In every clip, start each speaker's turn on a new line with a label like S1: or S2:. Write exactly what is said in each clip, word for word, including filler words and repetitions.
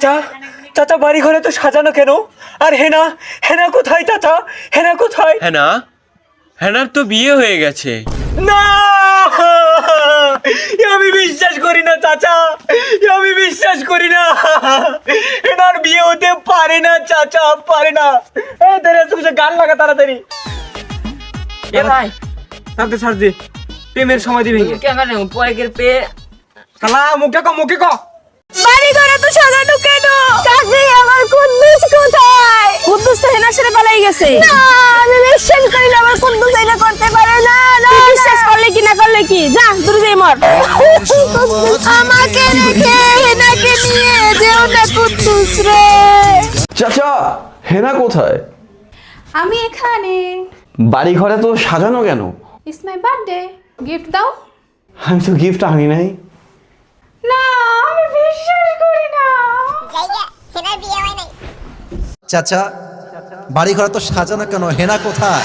S1: চাচা চাচা বাড়ি ঘরে তো সাজানো কেন? আর হেনা হেনা কোথায় চাচা? হেনা কোথায়?
S2: হেনা হেনার তো বিয়ে হয়ে গেছে।
S1: না, এ আমি বিশ্বাস করি না চাচা, এ আমি বিশ্বাস করি না। হেনার বিয়ে হতে পারে না চাচা, পারে না। এ তেরে তুমি গান লাগা তাড়াতাড়ি।
S3: এ ভাই
S1: তাতে ছাড় দে, প্রেমের সময় দিবি
S3: কে মানে পয়কের পে
S1: শালা মুখে ক মুখে ক।
S4: বাড়ি ঘরে তো সাজানো কেন? চাচি আমার কুদ্দুস কোথায়? কুদ্দুস তো হেনার সাথে পালাই গেছে। না আমি বিশ্বাস করি না আমার কুদ্দুস এটা করতে পারে না। না বিশ্বাস করলে কি না করলে কি, যা দূরে যাই মর। আমাকে রেখে হেনাকে নিয়ে যেও না কুদ্দুস রে।
S5: চাচা হেনা কোথায়?
S6: আমি এখানে।
S5: বাড়ি ঘরে তো সাজানো কেন?
S6: ইটস মাই বার্থডে, গিফট দাও।
S5: আমি তো গিফট আনি নাই।
S6: না আমি বিশ্বাস করি না।
S7: চাচা বাড়ি ঘর তো সাজানো কেন, হেনা কোথায়?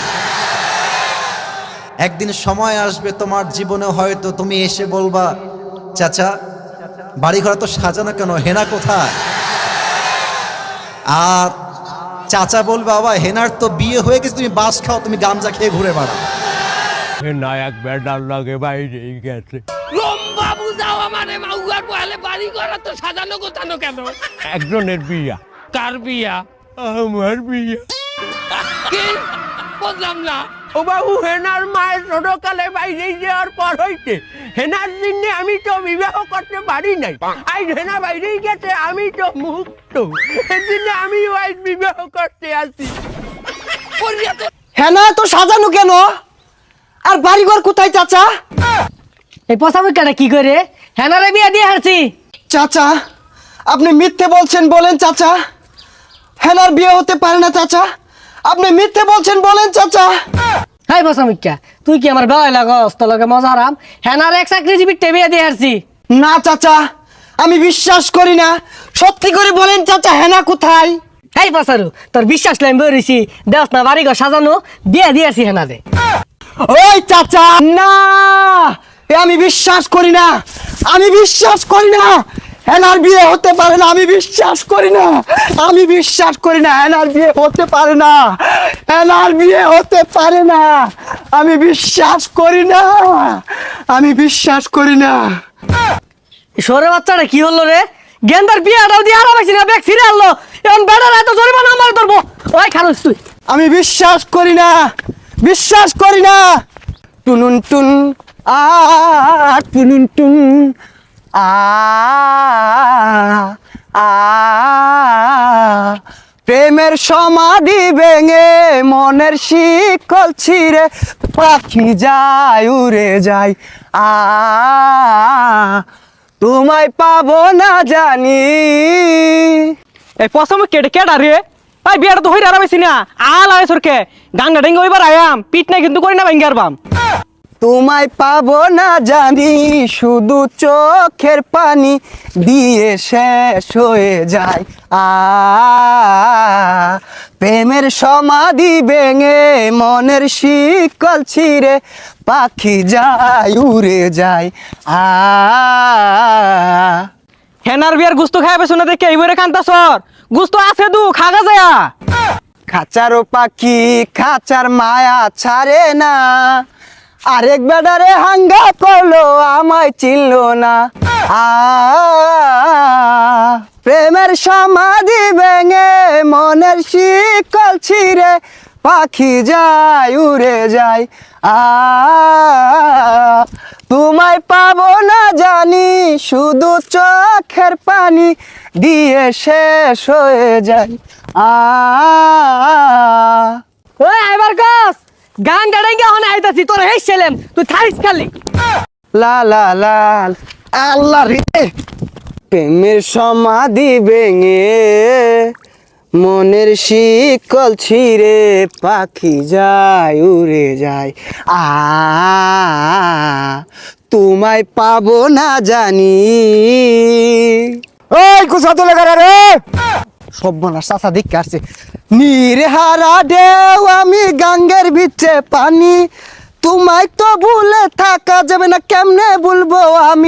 S7: একদিন সময় আসবে তোমার জীবনে হয়তো তুমি এসে বলবা চাচা বাড়ি ঘর তো সাজানো কেন, হেনা কোথায়? আর চাচা বলবে বাবা হেনার তো বিয়ে হয়ে গেছে, তুমি বাস খাও, তুমি গামজা খেয়ে ঘুরে বেড়াও।
S2: নায়ক ব্যাটার লাগে বাইরে গেছে।
S8: লম্বা বুঝাও আমারে মাউয়ার বহালে বাড়ি ঘর তো সাজানো গোছানো কেন?
S2: একজনের বিয়া।
S8: কার বিয়া?
S2: আমার বিয়া।
S8: কি বুঝলাম না।
S2: ও বাবু, হেনার মায়ের ছোটকালে বাইরে যাওয়ার পর হইতে হেনার জন্য আমি তো বিবাহ করতে পারি নাই। আজ হেনা বাইরে গেছে, আমি তো মুক্ত, সেদিনে আমি আজ বিবাহ করতে আসি।
S1: হেনা তো সাজানো কেন? আর বাড়িঘর কোথায় চাচা?
S3: এই পসামুখাটা কি করে হেনারে বিয়ে দিয়ে হারছি?
S1: চাচা আপনি মিথ্যে বলছেন, বলেন চাচা। হেনার বিয়ে হতে পারে না চাচা, আপনি মিথ্যে বলছেন, বলেন চাচা।
S3: হাই পসামুখা, তুই কি আমার বেলায় লাগস? তোর লগে মজা হারাম। হেনার এক চাকরিজীবী বিয়ে দিয়ে হারছি।
S1: না চাচা আমি বিশ্বাস করি না, সত্যি করে বলেন চাচা হেনা কোথায়?
S3: এই পসারু, তোর বিশ্বাস লাইন বেরিয়েছি, দেখ না বাড়ি ঘর সাজানো, বিয়ে দিয়ে আসি হেনারে।
S1: ওই চাচা না, এ আমি বিশ্বাস করি না, আমি বিশ্বাস করি না। হেনার বিয়ে হতে পারে না, আমি বিশ্বাস করি না, আমি বিশ্বাস করি না। হেনার বিয়ে হতে পারে না, হেনার বিয়ে হতে পারে না, আমি বিশ্বাস করি না, আমি বিশ্বাস করি না।
S3: সরে বাচ্চাটা কি হলো রে? গেন্দার বিয়েটাও দিয়ে হারা পাইছি না, ব্যাগ ছিঁড়ে আনলো। এখন বেড়ার এত জরিমানা আমার ধরবো। ওই খারুস তুই।
S1: আমি বিশ্বাস করি না, বিশ্বাস করি না। টুনুন টুন আ টুনুন টুন আ আ প্রেমের সমাধি ভেঙে মনের শিকল ছিঁড়ে পাখি যায় উড়ে যায়। আ তোমায় পাবো না জানি। এই পছন্দ কেটে কেটা রে? ভাই বিয়াটা তো হইরা আরামাইছি না, আল আয় সরকে গাঙ্গা ডেঙ্গা ওইবার আয়াম, পিট নাই কিন্তু করি না ভাঙ্গার বাম। তোমায় পাবো না জানি, শুধু চোখের পানি দিয়ে শেষ হয়ে যায়। আ প্রেমের সমাধি ভেঙে মনের শিকল ছিঁড়ে পাখি যায় উড়ে যায়। আ হেনার বিয়ার গুস্ত খাই পেছো না দেখে এইবারে কান্তা সর, গুস্ত আছে দু খাগা যায়া। খাঁচারও পাখি খাঁচার মায়া ছাড়ে না, আরেক বেডারে হাঙ্গা করলো আমায় চিনলো না। আ প্রেমের সমাধি ভেঙে মনের শিকল ছিঁড়ে পাখি যায় উড়ে যায়। আ তোমায় পাবো না জানি, শুধু চোখের পানি দিয়ে শেষ হয়ে যায়। আ
S3: ওই আইবার গাছ গান গাড়াইঙ্গা হনে আইতাছি, তোর হেই ছেলেম তুই থারিস খালি।
S1: লা লা লা আল্লাহ রে, প্রেমের সমাধি ভেঙে মনের শিকল ছিঁড়ে পাখি যায় উড়ে যায়। আ তোমায় পাবো না জানি। ওই কুসা তো লেখা রে সব বনার চাচা দেখে আসছে। নিরহারা ঢেউ আমি গাঙ্গের ভিতরে পানি, তোমায় তো ভুলে থাকা যাবে না, কেমনে বলবো আমি।